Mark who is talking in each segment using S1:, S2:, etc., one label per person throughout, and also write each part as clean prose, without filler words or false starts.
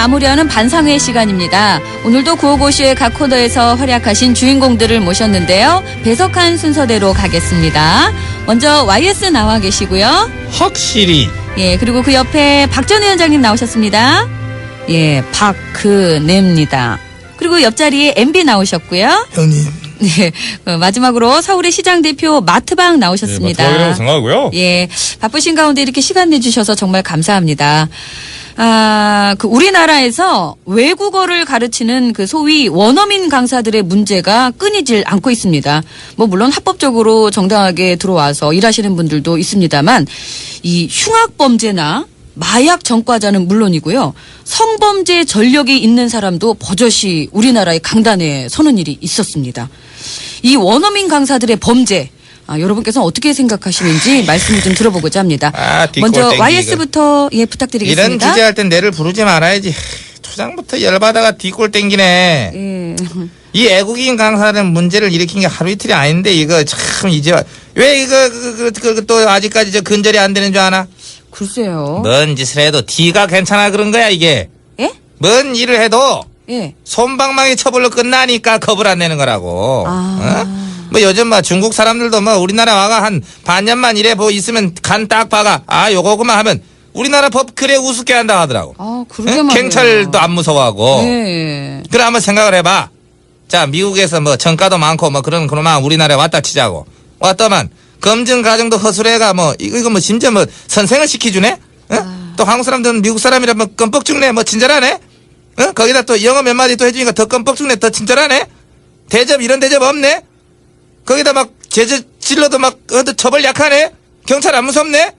S1: 마무리하는 반상회 시간입니다. 오늘도 구호고쇼의 각 코너에서 활약하신 주인공들을 모셨는데요. 배석한 순서대로 가겠습니다. 먼저 YS 나와 계시고요.
S2: 확실히.
S1: 예, 그리고 그 옆에 박 전 위원장님 나오셨습니다. 예, 박그냅니다. 그리고 옆자리에 MB 나오셨고요.
S3: 형님.
S1: 네, 마지막으로 서울의 시장 대표 마트방 나오셨습니다.
S2: 마트방이라고 생각하고요.
S1: 예, 바쁘신 가운데 이렇게 시간 내주셔서 정말 감사합니다. 우리나라에서 외국어를 가르치는 그 소위 원어민 강사들의 문제가 끊이질 않고 있습니다. 뭐 물론 합법적으로 정당하게 들어와서 일하시는 분들도 있습니다만 이 흉악범죄나 마약 전과자는 물론이고요. 성범죄 전력이 있는 사람도 버젓이 우리나라의 강단에 서는 일이 있었습니다. 이 원어민 강사들의 범죄, 여러분께서는 어떻게 생각하시는지 말씀을 좀 들어보고자 합니다. 먼저
S2: 뒷골 땡기기.
S1: YS부터 부탁드리겠습니다.
S2: 이런 주제할 땐 내를 부르지 말아야지. 초장부터 열받아가 뒷골 땡기네.
S1: 예.
S2: 이 애국인 강사는 문제를 일으킨 게 하루 이틀이 아닌데 이거 참 이제 왜 이거 또 아직까지 저 근절이 안 되는 줄 아나?
S1: 글쎄요.
S2: 뭔 짓을 해도 D가 괜찮아 그런 거야 이게.
S1: 예?
S2: 뭔 일을 해도
S1: 예.
S2: 솜방망이 처벌로 끝나니까 겁을 안 내는 거라고. 뭐 요즘 뭐 중국 사람들도 뭐 우리나라 와가 한 반년만 일해 뭐 있으면 간 딱 봐가 요거구만 하면 우리나라 법 그래 우습게 한다 하더라고.
S1: 그러게
S2: 응?
S1: 말이에요.
S2: 경찰도 안 무서워하고.
S1: 예.
S2: 그래 한번 생각을 해봐. 자 미국에서 뭐 정가도 많고 뭐 그런 그놈만 우리나라에 왔다 치자고. 왔더만 검증 과정도 허술해가 뭐 이거 뭐 심지어 뭐 선생을 시켜주네. 응? 또 한국 사람들은 미국 사람이라 뭐 껌뻑 죽네 뭐 친절하네. 응? 거기다 또 영어 몇 마디 또 해주니까 더 껌뻑 죽네 더 친절하네. 대접 이런 대접 없네. 거기다 막 제재 질러도 막 처벌 약하네. 경찰 안 무섭네.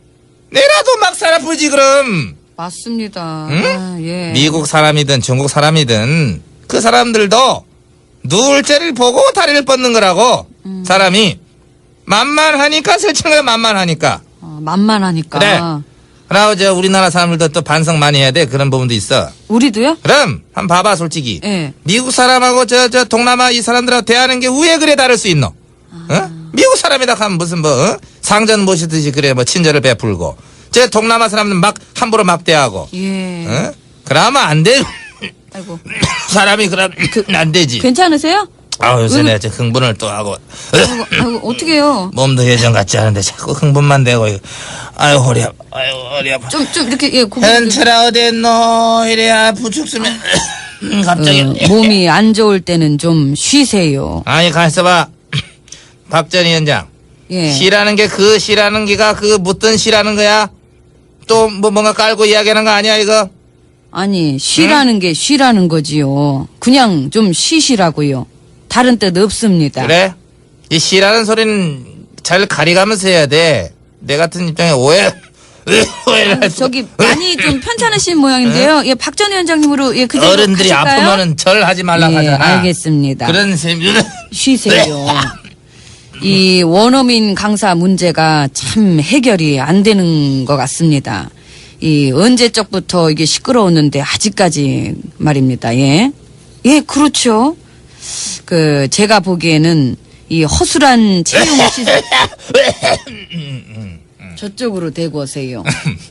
S2: 내라도 막 살아 풀지 그럼.
S1: 맞습니다.
S2: 응?
S1: 예.
S2: 미국 사람이든 중국 사람이든 그 사람들도 누울죄를 보고 다리를 뻗는 거라고. 사람이 만만하니까 설치는 거야 만만하니까.
S1: 만만하니까.
S2: 그래. 그러고 저 우리나라 사람들도 또 반성 많이 해야 돼. 그런 부분도 있어.
S1: 우리도요?
S2: 그럼 한번 봐봐 솔직히.
S1: 예.
S2: 미국 사람하고 저 동남아 이 사람들하고 대하는 게 왜 그래 다를 수 있노? 어? 미국 사람이다 하면 무슨 뭐 상전 모시듯이 그래 뭐 친절을 베풀고 저 동남아 사람들 막 함부로 막 대하고.
S1: 예.
S2: 어? 그러면 안 돼.
S1: 아이고.
S2: 사람이 그럼 안 되지.
S1: 괜찮으세요?
S2: 요새 내가 흥분을 또 하고
S1: 아이고, 어떡해요?
S2: 몸도 예전 같지 않은데 자꾸 흥분만 되고 아유 허리 아파. 아유 허리 아파.
S1: 좀 이렇게, 예, 고개.
S2: 현철아 어딨노? 이래야 부축수면 갑자기
S1: 몸이 안 좋을 때는 좀 쉬세요.
S2: 아니 가만있어봐. 박 전 위원장
S1: 예.
S2: 시라는 게 그 시라는 게가 그 묻던 시라는 거야? 또 뭐 뭔가 깔고 이야기하는 거 아니야 이거?
S1: 아니, 쉬라는 게 쉬라는 거지요. 그냥 좀 쉬시라고요. 다른 뜻 없습니다.
S2: 그래? 이 시라는 소리는 잘 가리가면서 해야 돼. 내 같은 입장에 오해를 할 수.
S1: 저기 많이 좀 편찮으신 모양인데요. 예, 박 전 위원장님으로 예, 그대로
S2: 어른들이
S1: 가실까요?
S2: 아프면은 절 하지 말라
S1: 예,
S2: 하잖아.
S1: 알겠습니다.
S2: 그런 셈.
S1: 쉬세요. 이 원어민 강사 문제가 참 해결이 안 되는 것 같습니다. 이 언제적부터 이게 시끄러웠는데 아직까지 말입니다. 예. 예, 그렇죠. 제가 보기에는 이 허술한 채용 시스템 저쪽으로 대고 오세요.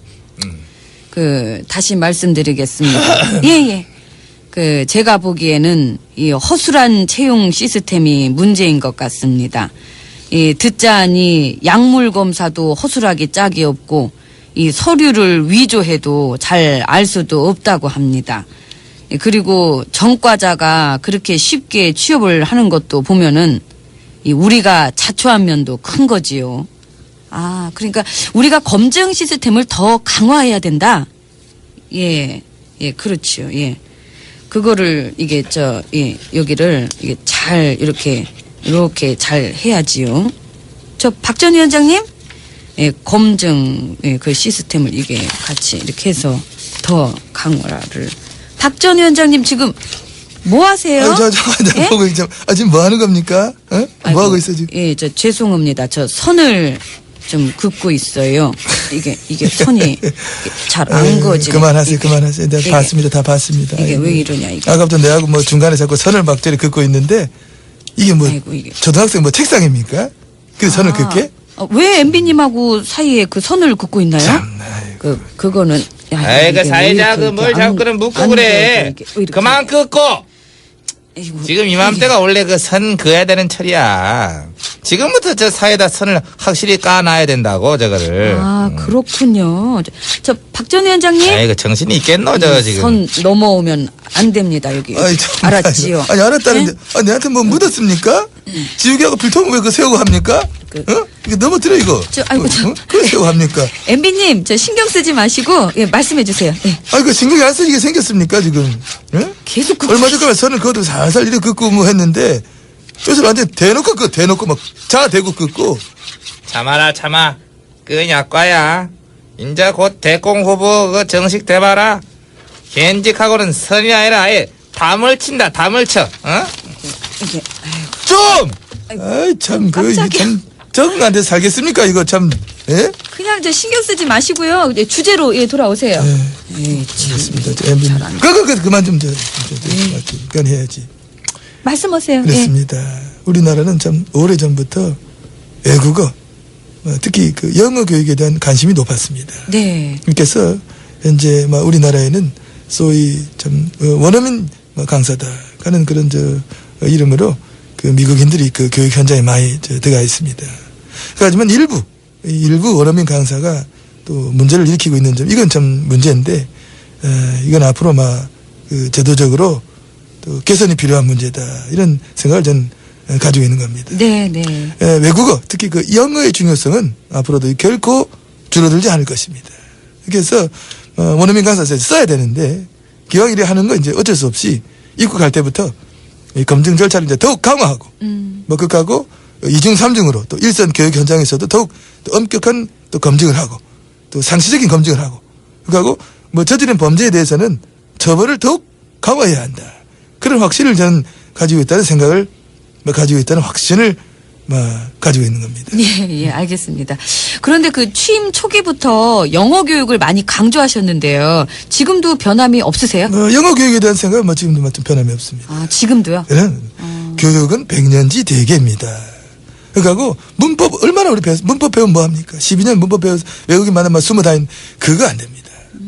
S1: 다시 말씀드리겠습니다. 예. 제가 보기에는 이 허술한 채용 시스템이 문제인 것 같습니다. 듣자하니 약물 검사도 허술하게 짝이 없고 이 서류를 위조해도 잘 알 수도 없다고 합니다. 그리고 전과자가 그렇게 쉽게 취업을 하는 것도 보면은 우리가 자초한 면도 큰 거지요. 그러니까 우리가 검증 시스템을 더 강화해야 된다. 예, 그렇죠. 예. 그거를 여기를 이게 잘 이렇게 잘 해야지요. 박 전 위원장님, 예, 검증 그 시스템을 이게 같이 이렇게 해서 더 강화를. 박 전 위원장님 지금 뭐 하세요?
S3: 잠깐만,
S1: 예?
S3: 보고 있죠. 지금 뭐 하는 겁니까? 뭐 하고 있어, 지금?
S1: 예, 죄송합니다. 저 선을 좀 긋고 있어요. 이게 선이 잘 안 거지.
S3: 그만하세요. 내가
S1: 이게,
S3: 봤습니다. 다 봤습니다.
S1: 이게 왜 이러냐, 이게.
S3: 아까부터 내하고 뭐 중간에 자꾸 선을 막 저리 긋고 있는데, 이게 뭐,
S1: 아이고, 이게.
S3: 초등학생 뭐 책상입니까? 그 선을 긋게?
S1: 왜 MB님하고 사이에 그 선을 긋고 있나요?
S3: 참나, 아이고.
S1: 그거는
S2: 아이, 그
S1: 이게
S2: 사회자
S1: 왜
S2: 그 뭘 자꾸 그럼 묻고 그래. 그만 긋고!
S1: 아이고,
S2: 지금 이맘때가 원래 그 선 그어야 되는 철이야. 지금부터 저 사회다 선을 확실히 까놔야 된다고, 저거를.
S1: 아, 그렇군요. 박 전 위원장님.
S2: 아이, 그 정신이 있겠노, 저 지금.
S1: 선 넘어오면 안 됩니다, 여기.
S3: 아이, 참,
S1: 알았지요?
S3: 아니, 알았다는데.
S1: 네?
S3: 아, 내한테 뭐 묻었습니까? 지우개하고 필통을 왜 그 세우고 합니까? 어? 이거 넘어뜨려, 이거.
S1: 아이고,
S3: 그거 세우고 합니까?
S1: MB님, 저 신경 쓰지 마시고, 예, 말씀해 주세요. 예.
S3: 아이, 그 신경이 안 쓰이게 생겼습니까, 지금? 예?
S1: 계속
S3: 얼마 전까지 선을 그어도 살살 이렇게 긋고 뭐 했는데, 요새 완전 대놓고 막 자대고 긋고.
S2: 참아라, 참아. 그 약과야. 인자 곧 대공 후보 그 정식 돼봐라. 현직하고는 선이 아니라 아예 담을 친다, 담을 쳐. 어?
S1: 이게,
S3: 좀! 아이, 참,
S1: 깜짝이야.
S3: 참, 적응 안 돼서 살겠습니까, 이거 참, 예?
S1: 그냥 저 신경 쓰지 마시고요. 이제 주제로 예, 돌아오세요. 예,
S3: 그렇습니다. 저 MB. 그만 좀, 그건 해야지.
S1: 말씀하세요. 예.
S3: 그렇습니다. 우리나라는 참 오래전부터 외국어, 특히 그 영어 교육에 대한 관심이 높았습니다.
S1: 네.
S3: 그래서 현재 우리나라에는 소위 참 원어민 강사다 하는 그런 이름으로 그 미국인들이 그 교육 현장에 많이 들어가 있습니다. 하지만 일부 원어민 강사가 또 문제를 일으키고 있는 점, 이건 참 문제인데, 이건 앞으로 그 제도적으로 또 개선이 필요한 문제다, 이런 생각을 전 가지고 있는 겁니다.
S1: 네, 네.
S3: 외국어, 특히 그 영어의 중요성은 앞으로도 결코 줄어들지 않을 것입니다. 그래서 원어민 강사에서 써야 되는데, 기왕 이래 하는 건 이제 어쩔 수 없이 입국할 때부터 이 검증 절차를 이제 더욱 강화하고, 그하고 이중 삼중으로 또 일선 교육 현장에서도 더욱 또 엄격한 또 검증을 하고, 또 상시적인 검증을 하고, 그하고 저지른 범죄에 대해서는 처벌을 더욱 강화해야 한다. 그런 확신을 저는 가지고 있다는 생각을 가지고 있다는 확신을 가지고 있는 겁니다.
S1: 예, 알겠습니다. 그런데 그 취임 초기부터 영어 교육을 많이 강조하셨는데요. 지금도 변함이 없으세요?
S3: 영어 교육에 대한 생각은 지금도 좀 변함이 없습니다.
S1: 아, 지금도요?
S3: 교육은 백년지 대계입니다. 그러니까 문법 얼마나 우리 배워서 문법 배우면 뭐합니까? 12년 문법 배워서 외국인 만나면 숨어 다니는 그거 안 됩니다.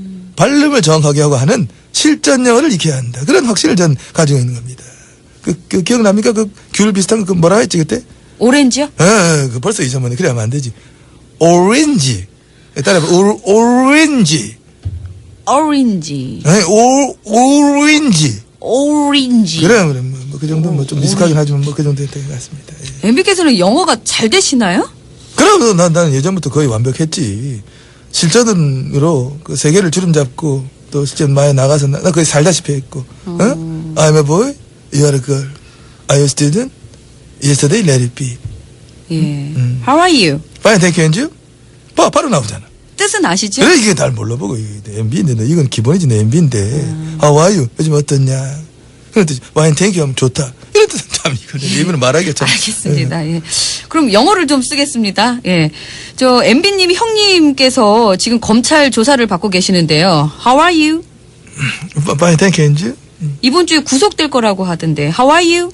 S3: 발음을 정확하게 하고 하는 실전 영어를 익혀야 한다. 그런 확신을 전 가지고 있는 겁니다. 그 기억납니까? 그 귤 비슷한 거 뭐라 했지 그때?
S1: 오렌지요?
S3: 그 벌써 잊어먹네. 그래 하면 안 되지. 오렌지. 따라해봐. 오렌지.
S1: 오렌지.
S3: 오렌지.
S1: 오렌지.
S3: 그래, 그 정도 좀 미숙하긴 하지만 그 정도 됐던 것 같습니다. 예.
S1: MB께서는 영어가 잘 되시나요?
S3: 그럼 나는 예전부터 거의 완벽했지. 실전으로 그 세계를 주름 잡고 또 실제 많이 나가서 나 거의 살다시피 했고. I'm a boy, you are a girl. Are you a student? Yesterday, let it be.
S1: 예. How are you?
S3: Fine, thank you, and you? 바로 나오잖아.
S1: 뜻은 아시죠?
S3: 그래, 이게 날 몰라보고, 이게 MB인데, 이건 기본이지, 내 MB인데. How are you? 요즘 어떻냐? 그런 뜻이, fine, thank you 하면 좋다. 이런 뜻은 참, 이거는 일부러 말하기가 참.
S1: 알겠습니다. 예. 그럼 영어를 좀 쓰겠습니다. 예. 저 MB님 형님께서 지금 검찰 조사를 받고 계시는데요. How are you?
S3: Fine, thank you, and you?
S1: 이번 주에 구속될 거라고 하던데. How are you?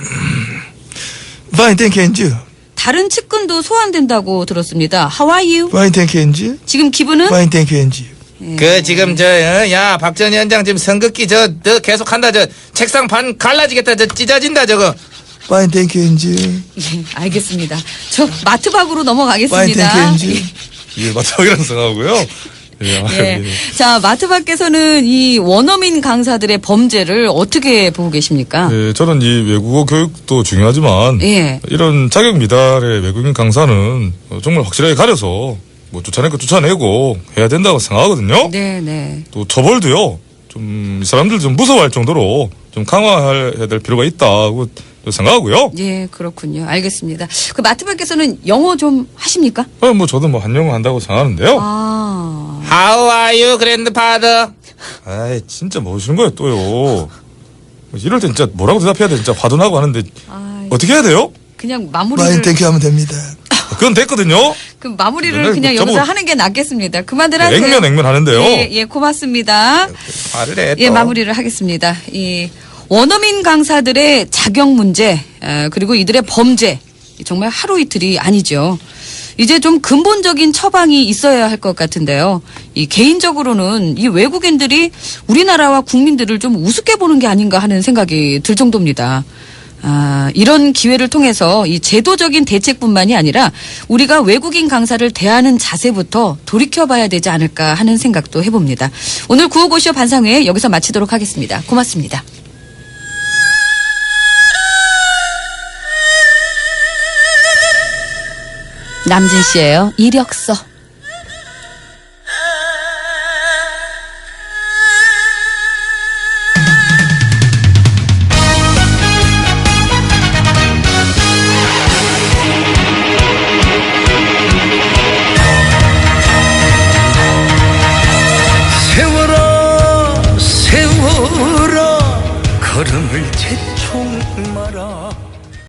S3: Fine, thank you, and you?
S1: 다른 측근도 소환된다고 들었습니다. How are you?
S3: Fine, thank you, and you?
S1: 지금 기분은?
S3: Fine, thank you, and you?
S2: 그 지금 박 전 위원장 지금 선긋기 너 계속 한다. 책상 반 갈라지겠다. 찢어진다 저거.
S3: Fine, thank you, and you?
S1: 예, 알겠습니다. 저 마트 밖으로
S3: Fine,
S1: 넘어가겠습니다.
S3: thank you, and you?
S4: 예, 마지막이라는 생각하고요.
S1: 예. 자, 마트 밖에서는 이 원어민 강사들의 범죄를 어떻게 보고 계십니까?
S4: 예, 저는 이 외국어 교육도 중요하지만
S1: 예.
S4: 이런 자격 미달의 외국인 강사는 정말 확실하게 가려서 쫓아낼 거 쫓아내고 해야 된다고 생각하거든요.
S1: 네, 네.
S4: 또 처벌도요. 좀 이 사람들 좀 무서워할 정도로 좀 강화해야 될 필요가 있다고 생각하고요.
S1: 예, 그렇군요. 알겠습니다. 그 마트 밖에서는 영어 좀 하십니까?
S4: 저도 한영어 한다고 생각하는데요.
S1: 아.
S2: How are you, grandfather?
S4: 아이, 진짜 뭐 하시는 거예요, 또요. 이럴 때 진짜 뭐라고 대답해야 돼. 진짜 화도 나고 하는데 어떻게 해야 돼요?
S1: 그냥 마무리를.
S3: Fine, thank you 하면 됩니다.
S4: 그건 됐거든요.
S1: 그 마무리를
S4: 네,
S1: 그냥
S4: 저보고-
S1: 여기서 하는 게 낫겠습니다. 그만들 하세요.
S4: 액면 하는데요.
S1: 예, 고맙습니다.
S2: 말을 해.
S1: 예,
S2: 또.
S1: 마무리를 하겠습니다. 이 원어민 강사들의 자격 문제, 그리고 이들의 범죄, 정말 하루 이틀이 아니죠. 이제 좀 근본적인 처방이 있어야 할 것 같은데요. 이 개인적으로는 이 외국인들이 우리나라와 국민들을 좀 우습게 보는 게 아닌가 하는 생각이 들 정도입니다. 이런 기회를 통해서 이 제도적인 대책뿐만이 아니라 우리가 외국인 강사를 대하는 자세부터 돌이켜봐야 되지 않을까 하는 생각도 해봅니다. 오늘 구호고쇼 반상회 여기서 마치도록 하겠습니다. 고맙습니다. 남진 씨예요. 이력서.
S5: 세워라 세워라 걸음을 재촉 마라